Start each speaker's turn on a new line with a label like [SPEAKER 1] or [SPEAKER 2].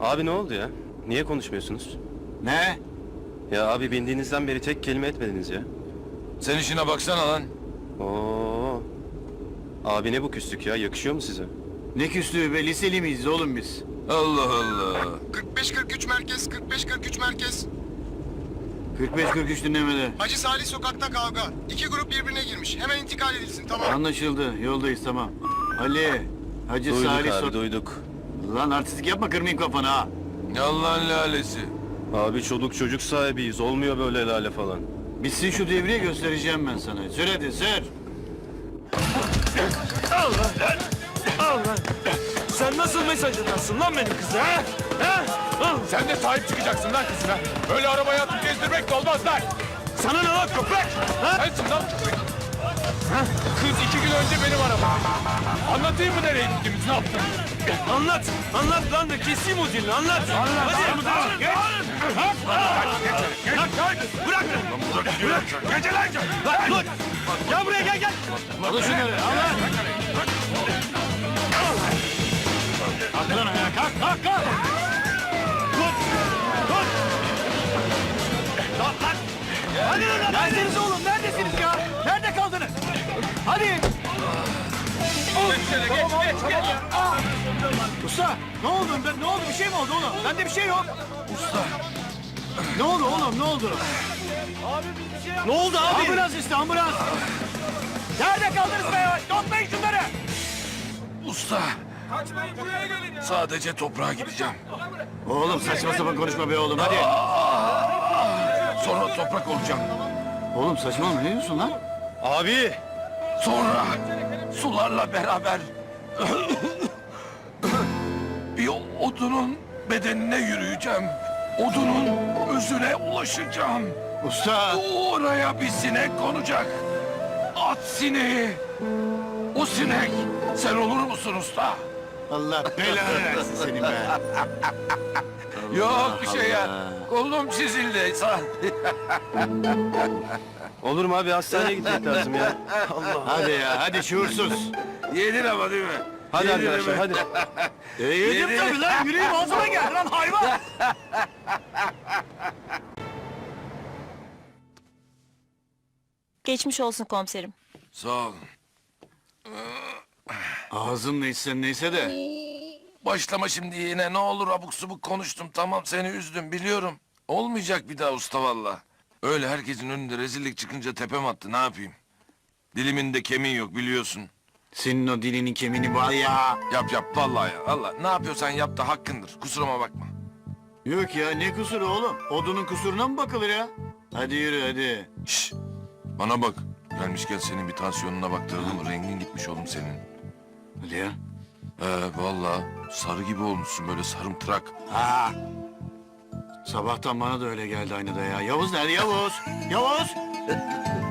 [SPEAKER 1] Abi ne oldu ya? Niye konuşmuyorsunuz?
[SPEAKER 2] Ne?
[SPEAKER 1] Ya abi bindiğinizden beri tek kelime etmediniz ya.
[SPEAKER 3] Sen işine baksana lan.
[SPEAKER 1] Oo. Abi ne bu küslük ya? Yakışıyor mu size?
[SPEAKER 2] Ne küslüğü be, liseli miyiz oğlum biz?
[SPEAKER 3] Allah Allah.
[SPEAKER 4] 45-43 merkez, 45-43 merkez.
[SPEAKER 2] 45-43 dinlemede.
[SPEAKER 4] Hacı Salih sokakta kavga. İki grup birbirine girmiş. Hemen intikal edilsin, tamam.
[SPEAKER 2] Anlaşıldı, yoldayız tamam. Ali, Hacı
[SPEAKER 1] Duyduk
[SPEAKER 2] Salih
[SPEAKER 1] abi duyduk.
[SPEAKER 2] Lan artistik yapma, kırmayayım kafanı ha.
[SPEAKER 3] Yalan lalesi.
[SPEAKER 1] Abi çoluk çocuk sahibiyiz. Olmuyor böyle lale falan.
[SPEAKER 2] Bitsin şu devriye, göstereceğim ben sana. Sür hadi, sür.
[SPEAKER 5] Sen nasıl mesaj atarsın lan benim kıza ha? Ha? Al.
[SPEAKER 3] Sen de sahip çıkacaksın lan kızına. Öyle arabaya atıp gezdirmek de olmaz lan.
[SPEAKER 5] Sana ne lan köpek? Ha?
[SPEAKER 3] Sensin lan köpek. Kız 2 gün önce benim arabam. Anlatayım mı nereye gittiğimizi, ne yaptın?
[SPEAKER 5] Anlat. Anlat lan da keseyim o dilini anlat. Hadi. Geç. Bırak. Bırak. Gece lan. Dur. Gel buraya gel.
[SPEAKER 2] Al şunları, al lan. Kalk lan ayağa, kalk.
[SPEAKER 5] Hadi lan.
[SPEAKER 2] Neredesiniz oğlum, neredesiniz ya? Nerede kaldınız? Hadi. Usta, ne oldu? Ne oldu? Bir şey mi oldu oğlum? Bende bir şey yok. Usta. Ne oldu oğlum? Ne oldu?
[SPEAKER 5] Ne oldu abi?
[SPEAKER 2] Ambulans işte, ambulans. Nerede kaldınız be ya? Toplayın şunları.
[SPEAKER 3] Usta. Sadece toprağa gideceğim.
[SPEAKER 2] Oğlum saçma sapan konuşma be oğlum, hadi.
[SPEAKER 3] Sonra toprak olacağım.
[SPEAKER 2] Oğlum saçmalama, ne diyorsun lan?
[SPEAKER 1] Abi!
[SPEAKER 3] Sonra sularla beraber bir odunun bedenine yürüyeceğim. Odunun özüne ulaşacağım.
[SPEAKER 2] Usta.
[SPEAKER 3] Oraya bir sinek konacak. At sineği. O sinek sen olur musun usta?
[SPEAKER 2] Allah belanı versin seni be.
[SPEAKER 3] Yok bir şey ya.
[SPEAKER 2] Allah.
[SPEAKER 3] Kolum çizildi.
[SPEAKER 1] Olur mu abi? Hastaneye gitmek lazım ya.
[SPEAKER 2] Hadi ya, hadi şuursuz.
[SPEAKER 3] Yedin ama değil mi?
[SPEAKER 1] Hadi
[SPEAKER 3] Yedin
[SPEAKER 1] arkadaşlar
[SPEAKER 3] mi?
[SPEAKER 1] hadi.
[SPEAKER 2] Yedim tabii lan, yüreğim ağzıma geldi lan hayvan.
[SPEAKER 6] Geçmiş olsun komiserim.
[SPEAKER 3] Sağ ol.
[SPEAKER 2] Ağzın neyse de.
[SPEAKER 3] Başlama şimdi yine, ne olur, abuk subuk konuştum, tamam, seni üzdüm biliyorum. Olmayacak bir daha usta valla. Öyle herkesin önünde rezillik çıkınca tepem attı, ne yapayım? Dilimin de kemiği yok biliyorsun.
[SPEAKER 2] Senin o dilinin kemiğini var ya.
[SPEAKER 3] Yap vallahi ya, Allah ne yapıyorsan yap da hakkındır, kusuruma bakma.
[SPEAKER 2] Yok ya, ne kusuru oğlum? Odunun kusuruna mı bakılır ya? Hadi yürü hadi.
[SPEAKER 3] Şş, bana bak, gelmişken senin bir tansiyonuna baktıralım, rengin gitmiş oğlum senin.
[SPEAKER 2] Hadi ya.
[SPEAKER 3] Vallahi sarı gibi olmuşsun, böyle sarımtırak.
[SPEAKER 2] Ha. Sabahtan bana da öyle geldi aynı da ya. Yavuz nerede Yavuz? Yavuz!